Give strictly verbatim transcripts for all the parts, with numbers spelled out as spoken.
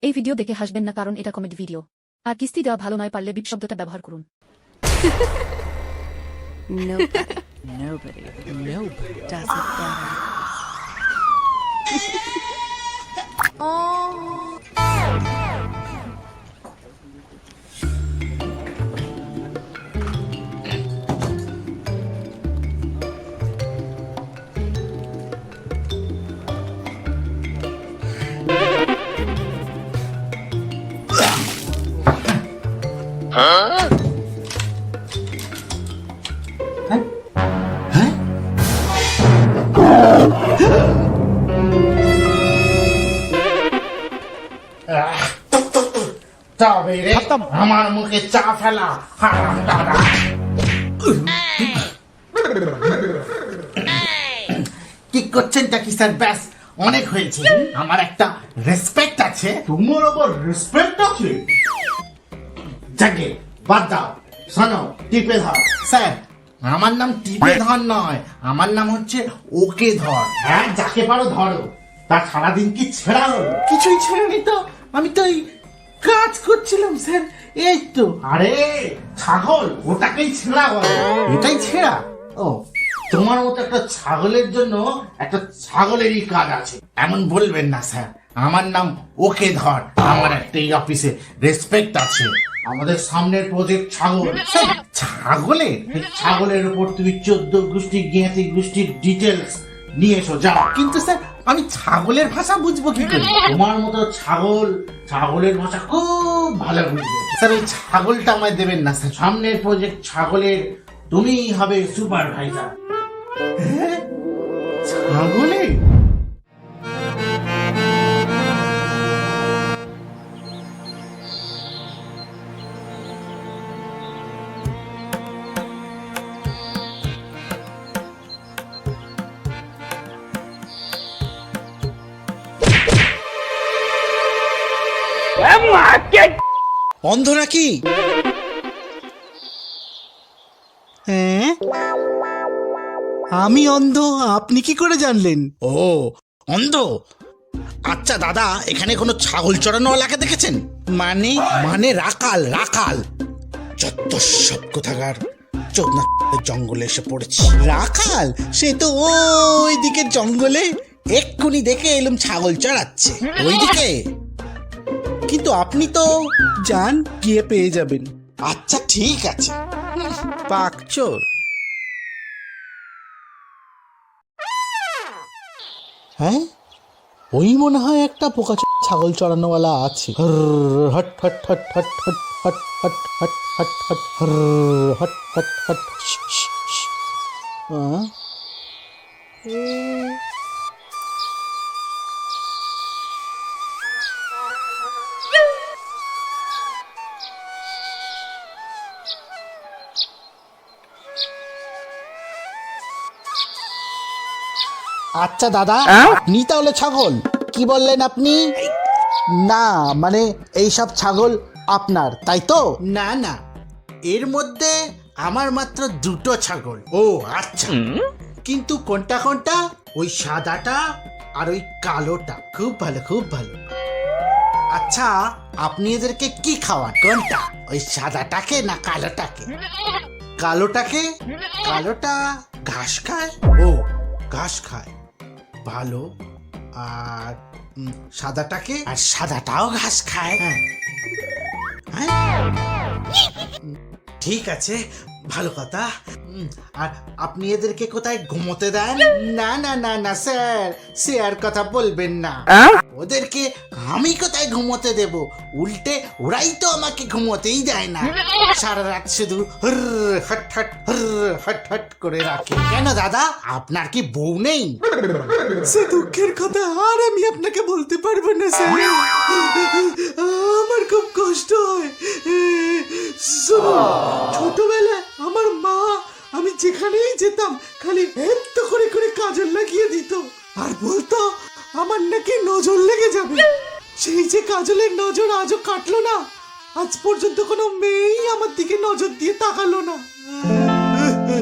এই ভিডিও দেখে হাসবেন না, কারণ এটা কমেডি ভিডিও। আর কিস্তি দেওয়া ভালো নয়, পারলে বিপ শব্দটা ব্যবহার করুন। Nobody, nobody, nobody does it better. তবে রে আমার মুখে চা ফেলা হারাম দাদা। কি করছেনটা কি স্যার? ব্যাস অনেক হয়েছে। আমার একটা রেসপেক্ট আছে। তোমার আবার রেসপেক্ট আছে? যাকে বাদ দাও। শোনো, টিপে ধর। স্যার, আমার নাম টিপে ধর নয়, আমার নাম হচ্ছে ওকে ধর। হ্যাঁ, যাকে পারো ধরো। তা সারাদিন কি ছেড়া হলো? কিছুই ছেড়েনি তো, আমি তো এই কাজ করছিলাম স্যার। এই তো। আরে ছাগল, ওটাকেই ছেঁড়া বলে। এটাই ছেঁড়া? ও, তোমার মতো একটা ছাগলের জন্য একটা ছাগলেরই কাজ আছে এমন বলবেন না স্যার। আমার নাম ওকে ধর। আমার একটা এই অফিসে রেসপেক্ট আছে। আমাদের সামনের প্রজেক্ট ছাগল। ছাগলের ছাগলের উপর তুমি চোদ্দ গোষ্ঠী জ্ঞাতি গোষ্ঠীর ডিটেলস নিয়ে এসো, যাও। কিন্তু স্যার, আমি ছাগলের ভাষা বুঝবো কি করে? তোমার মতো ছাগল ছাগলের ভাষা খুব ভালো বুঝবে স্যার। ওই ছাগলটা আমায় দেবেন না স্যার। সামনের প্রজেক্ট ছাগলের তুমিই হবে সুপারভাইজার। ছাগলের? অন্ধ নাকি? হ্যাঁ, আমি অন্ধ, আপনি কি করে জানলেন? ও, অন্ধ। আচ্ছা দাদা, এখানে কোনো ছাগল চড়ানোওয়ালাকে দেখেছেন? মানে মানে রাখাল, রাখাল। যত সব কোথাকার চোদনা জঙ্গলে এসে পড়েছি। রাখাল? সে তো ওই দিকের জঙ্গলে। এক্ষুনি দেখে এলুম ছাগল চড়াচ্ছে ওইদিকে। কিন্তু আপনি তো যান, গিয়ে পেয়ে যাবেন। আচ্ছা ঠিক আছে। পাকচোর। হ্যাঁ, ওই মনে হয় একটা পোকা ছাগল চড়ানোওয়ালা আছে। হট হট হট হট হট হট হট হট হট হট হট হট হট। আচ্ছা দাদা, আপনি তাহলে ছাগল? কি বললেন আপনি? না মানে এইসব ছাগল আপনার, তাই তো? না না, এর মধ্যে আমার মাত্র দুটো ছাগল। ও আচ্ছা, কিন্তু কোনটা কোনটা? ওই সাদাটা আর ওই কালোটা। খুব ভালো, খুব ভালো। আচ্ছা, আপনি এদেরকে কি খাওয়ান? কোনটা, ওই সাদাটাকে না কালোটাকে? কালোটাকে। কালোটা ঘাস খায়। ও, ঘাস খায়, ভালো। আর উম, সাদাটাকে? আর সাদাটাও ঘাস খায়। হ্যাঁ হ্যাঁ, ঠিক আছে, ভালো কথা। উম, আর আপনি এদেরকে কোথায় ঘুমোতে দেন? না না না না স্যার, সে আর কথা বলবেন না। ওদেরকে আমি কোথায় ঘুমোতে দেব? উল্টে ওরাই তো আমাকে ঘুমোতেই দেয় না। সারা রাত শুধু হর হট হট হর হট হট করে রাখে। কেন দাদা, আপনার কি বউ নেই? সে দুঃখের কথা আর আমি আপনাকে বলতে পারবো না স্যার। আমার খুব কষ্ট হয়। শুনুন, ছোটবেলায় আমার মা, আমি যেখানেই যেতাম খালি এত করে করে কাজল লাগিয়ে দিত আর বলতো আমার নাকি নজর লেগে যাবে। সেই যে কাজলের নজর আজও কাটলো না। আজ পর্যন্ত কোনো মেয়েই আমার দিকে নজর দিয়ে তাকালো না।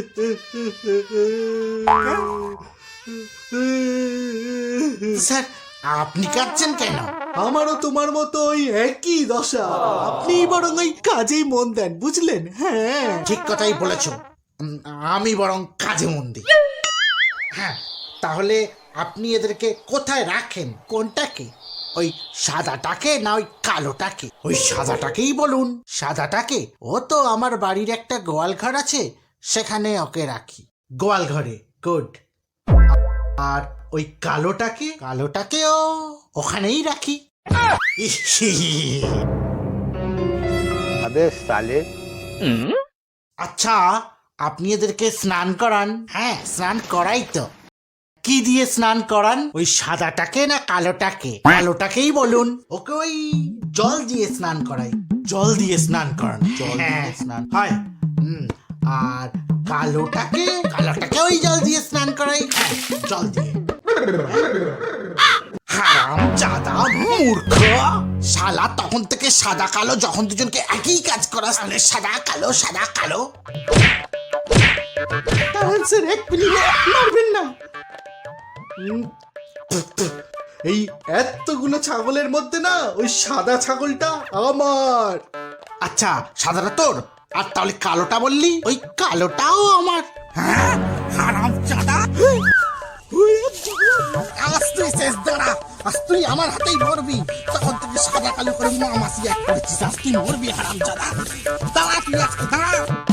স্যার, আপনি কাঁদছেন কেন? আমারও তোমার মতো ওই একই দশা। আপনি বরং ওই কাজেই মন দেন, বুঝলেন? হ্যাঁ, ঠিক কথাই বলেছ। উম, আমি বরং কাজে মন দিই। হ্যাঁ, তাহলে আপনি এদেরকে কোথায় রাখেন? কোনটাকে? ওই সাদাটাকে না ওই কালোটাকে? ওই সাদাটাকেই বলুন। সাদাটাকে? ও তো আমার বাড়ির একটা গোয়াল ঘর আছে, সেখানে ওকে রাখি। গোয়াল ঘরে? গুড। আর ওই কালোটাকে? কালোটাকেও ওখানেই রাখি। अबे साले আচ্ছা, আপনি এদেরকে স্নান করান? হ্যাঁ, স্নান করাই তো। কি দিয়ে স্নান করান? ওই সাদাটাকে না কালোটাকে? কালোটাকেই বলুন। ওকে ওই জল দিয়ে স্নান করাই। জল দিয়ে স্নান করান? জল দিয়ে স্নান হয়। হুম, আর কালোটাকে? কালোটাকে ওই জল দিয়ে স্নান করাই। হ্যাঁ, জল দিয়ে। হারাম জাদা মূর্খ শালা, তখন থেকে সাদা কালো, যখন দুজনকে একই কাজ করা, তাহলে সাদা কালো সাদা কালো। দাঁড়ান স্যার, এক মিনিট, মারবেন না। উম, এই এতগুলো ছাগলের মধ্যে না ওই সাদা ছাগলটা আমার। আচ্ছা, সাদাটা তোর, আর তাহলে কালোটা বললি? ওই কালোটাও আমার। হ্যাঁ, হারাম জাদা। আজ তুই শেষ, দাঁড়া। আজ তুই আমার হাতেই মরবি। তখন থেকে সাদা কালো করে মামাসি এক করেছিস, আজ তুই মরবি হারাম জাদা। দাঁড়া তুই আজকে, দাঁড়া।